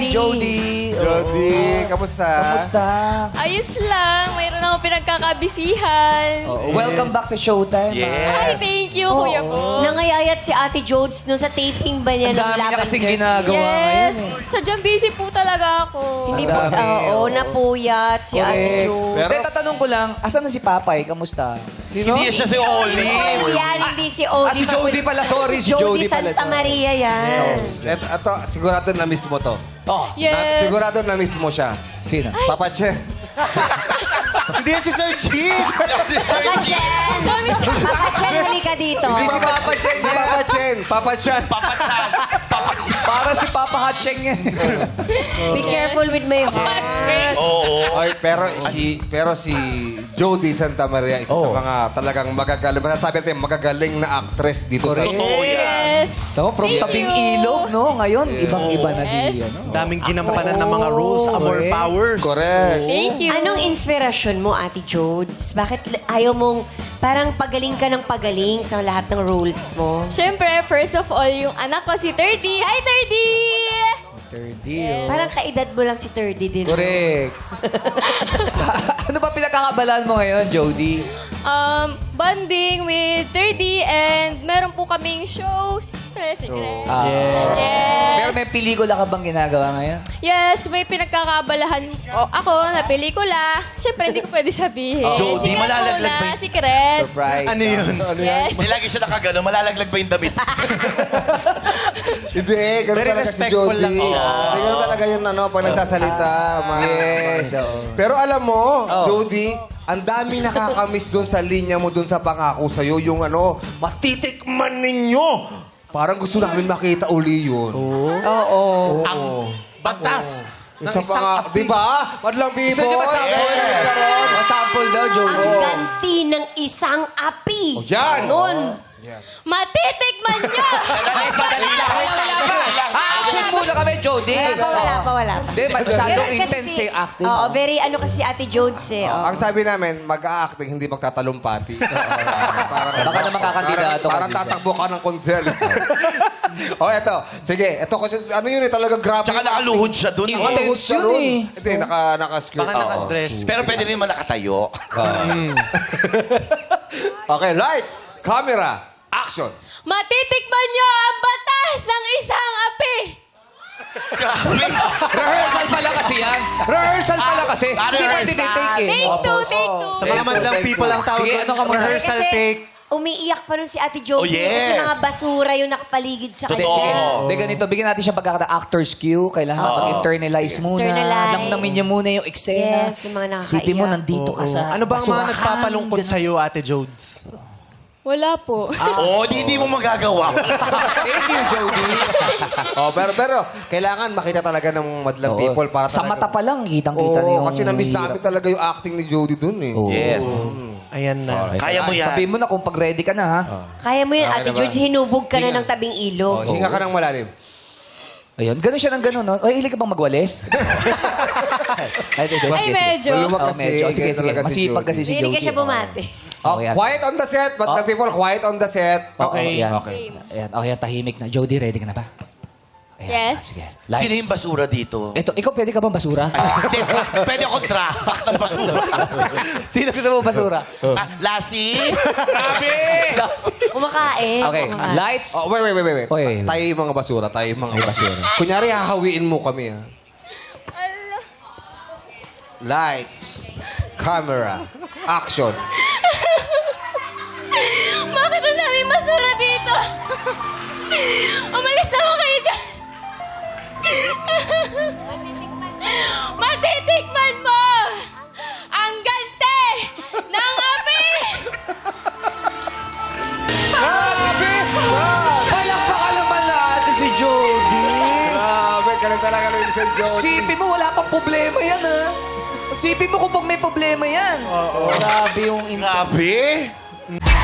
Jody. Jody, kamusta? Kamusta? Ayos lang. Mayroon akong pinagkakabisihan. Welcome back sa Showtime. Hi, thank you, Kuya ko. Nangayayat si Ate Jodes no sa taping ba niya Ang ng dami niya Lavender? kasing ginagawa ngayon Yes. eh. Sadyang busy po talaga ako. Hindi Ang po, dami, oo, napuyat si Ate Jodes. Pero tatanong ko lang, asan na si Papay? Kamusta? Sino? Hindi siya si Olive. Oh, yan, hindi si Odie. si Jody pala. Sorry, si Jody pala. Santa Maria yan. Ito, sigurado na miss mo to. Oh, Yes. Sigurado na miss mo siya. sino? Papa Che. Hindi yan si Sir Cheese. Papa Chen! Papa Chen, halika dito. Hindi si Papa Cheng. Papa Chen. Papa Chan. Para si Papa Hatcheng yan. Be careful with my heart. Oo. Ay, pero si Jody Santa Maria, isa sa mga talagang magagaling, masasabi natin, magagaling na actress dito sa... Totoo yan. Yes. So, from Thank tabing you. ilog, no? Ngayon, ibang-iba na si, Yes. ano? Daming ginampanan ng mga roles, amor correct. powers. Correct. Thank you. Anong inspirasyon mo, Ate Jodes? Bakit ayaw mong parang pagaling ka ng pagaling sa lahat ng roles mo? Siyempre, first of all, yung anak ko si 30. Hi, 30! 30, Parang kaedad mo lang si 30 din. Correct. Ano ba pinakakabalaan mo ngayon, Jody? Bonding with 30 and meron po kaming shows. Secret. Pero may pelikula ka bang ginagawa ngayon? Yes, may pinagkakabalahan ako na pelikula. Siyempre, hindi ko pwede sabihin. Jody, Secret malalaglag muna, ba yun? secret. Surprise. Ano yun? Yes. Kasi lagi siya nakagano, malalaglag ba yung damit? Hindi, ganun Very talaga si respectful Jody. lang siya. Hindi, ganun talaga yun, pag nagsasalita. Yes, oo. Pero alam mo, Oh. Jody, ang dami nakakamiss doon sa linya mo, doon sa pangako sa'yo, yung matitikman ninyo. Parang gusto namin makita uli yun. Oo. Ang batas ng Sa isang pangako, di ba? Madlang Gusto people. niyo ba sample? Sample daw, Jody. Ang ganti ng isang api. Yan. Nun. Matitikman nyo! Action muna kami, Jody. Wala pa. Hindi, masyadong Kasi intense yung acting. Oo, very ano kasi si Ate Jodes eh. Oo. Ang sabi namin, mag-a-acting, hindi magtatalumpati. Baka naman kakandidato Parang kasi siya. tatakbo ka ng konsel. Eto. Sige, eto kasi, ano yun eh, talaga grabe. Tsaka nakaluhod siya doon. Intense yun eh. Hindi, naka-skirt. Baka naka-dress. Pero pwede rin naman nakatayo. Okay, lights, camera, action. Matitikman nyo ang batas ng isang api! Rehearsal pala kasi yan. Rehearsal pala kasi. Hindi ba rehearsal. tinitake eh? Take two, take two. Sa mga madlang people ang tawag Sige, doon, ano ka muna? rehearsal Kasi take. umiiyak pa rin si Ate Jody Oh, yes. kasi mga basura yung nakapaligid sa Hindi, kanya. sige. Hindi, ganito. Bigyan natin siya pagkakata actor's cue. Kailangan mag-internalize muna. Internalize. Namnamin niya muna yung eksena. Yes, yung mga nakakaiyak. Sipin mo, nandito ka sa Ano ba ang mga basurahan. nagpapalungkot sa'yo, Ate Jodes? Wala po. Oo, di mo magagawa. Thank you, Jody. Pero kailangan makita talaga ng madlang Oo. people para Sa talaga. mata pa lang, kitang-kita na yung... Kasi na-miss hirap. namin talaga yung acting ni Jody dun eh. Yes. Ayan na. Kaya mo yan. Sabihin mo na kung pag-ready ka na, ha? Kaya mo yun, Ate naman. Jodes, hinubog ka na ng tabing ilog. Hinga ka ng malalim. Ayun, ganun siya ng ganun, no? Ay, hilig ka bang magwalis? Ay, medyo. Maluwag Oh, kasi. medyo. Sige, ganyan sige. talaga si Masipag Jody. kasi si Jody. Hindi ka siya bumate. Okay, yan. Quiet on the set, madlang people, quiet on the set. Okay. Yan. Okay. Ayan, okay, tahimik na. Jody, ready ka na ba? Ayan, Yes. Sige. Sino yung basura dito? Ito, ikaw pwede ka bang basura? Hindi, pwede akong trapak ng basura. Sino gusto mo basura? Lassie? Grabe! Kumakain. Okay, kumakain. lights. Oh, wait. Oy. Tayo yung mga basura, tayo yung mga basura. Kunyari, hahawiin mo kami, ha? Ala. Lights, camera, action. Bakit ang daming basura dito? Umalis na ako kayo dyan. Matitikman mo ang gante ng api! Palakpakan naman natin si Jody. Grabe, ganun talaga rin si Jody. Sipin mo, wala pang problema yan, ha? Sipin mo kung pag may problema yan. Grabe yung... Grabe!